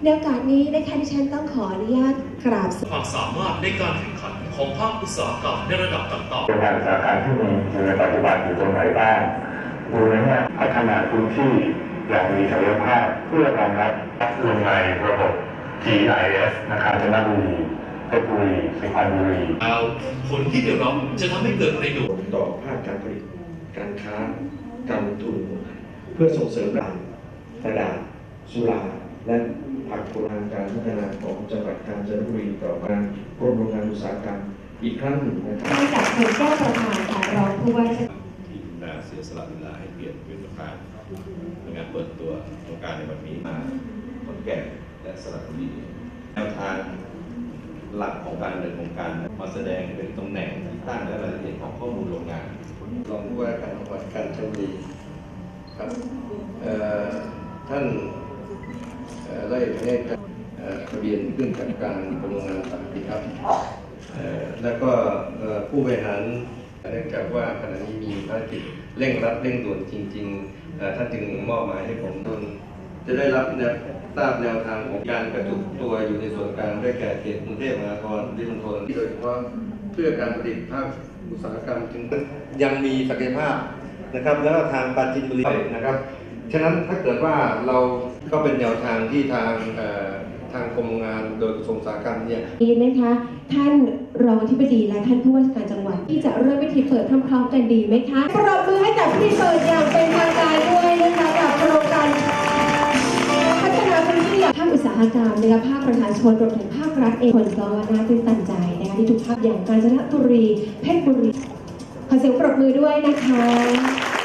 ในโอกาสนี้นะคะดิฉันต้องขออนุญาตกราบความสามารถในการแข่งขันของภาคอุตสาหกรรมในระดับต่างๆโรงงานอุตสาหกรรมที่มีอยู่ในปัจจุบันอยู่ตรงไหนบ้างดูในแง่พัฒนาพื้นที่อย่างมีศักยภาพเพื่อรองรับลงในระบบ GIS นะครับกาญจนบุรีเพชรบุรีสุพรรณบุรีแล้วผลที่ได้รับจะทำให้เกิดประโยชน์ต่อภาคการผลิตการค้าการลงทุนเพื่อส่งเสริมกระดาษสุราและผักผลไม้การพัฒนาของจังหวัดกาญจนบุรีต่อการกรมโรงงานอุตสาหกรรมอีกครั้งหนึ่งนะครับได้จากคุณแก้วประธานค่ะรองผู้ว่าที่คุณนาเสียสละเวลาให้เกียรติเป็นประธานในงานเปิดตัวโครงการในวันนี้มาขอนแก่นและสระบุรีแนวทางหลักของการดำเนินโครงการมาแสดงเป็นตำแหน่งที่ตั้งและรายละเอียดของข้อมูลโรงงานรองผู้ว่าการจังหวัดกาญจนบุรีครับท่านได้ให้ทะเบียนขึ้นกับการกรมโรงงานอุตสาหกรรมครับแล้วก็ผู้บริหารเนื่องจากว่าขณะนี้มีภารกิจเร่งรัดเร่งด่วนจริงๆท่านจึงมอบหมายให้ผมจะได้รับทราบแนวทางของการกระจุกตัวอยู่ในส่วนกลางได้แก่เขตกรุงเทพมหานครปริมณฑลโดยเฉพาะเพื่อการผลิตภาคอุตสาหกรรมจึงยังมีศักยภาพนะครับแล้วก็ทางปราจีนบุรีนะครับฉะนั้นถ้าเกิดว่าเราก็เป็นแนวทางที่ทางกรมงานโดยกระทรวงอุตสาหกรรมเนี่ยดีไหมคะท่านรองอธิบดีและท่านผู้ว่าราชการจังหวัดที่จะเริ่มพิธีเปิดพร้อมๆกันดีไหมคะปรบมือให้กับพิธีเปิดอย่างเป็นทางการด้วยนะคะกับโครงการพัฒนาพื้นที่ภาคอุตสาหกรรมนะคะภาคประชาชนรวมถึงภาครัฐเองคนก็น่าตื่นตันใจนะคะที่ทุกภาคอย่างกาญจนบุรีเพชรบุรีขอเสียงปรบมือด้วยนะคะ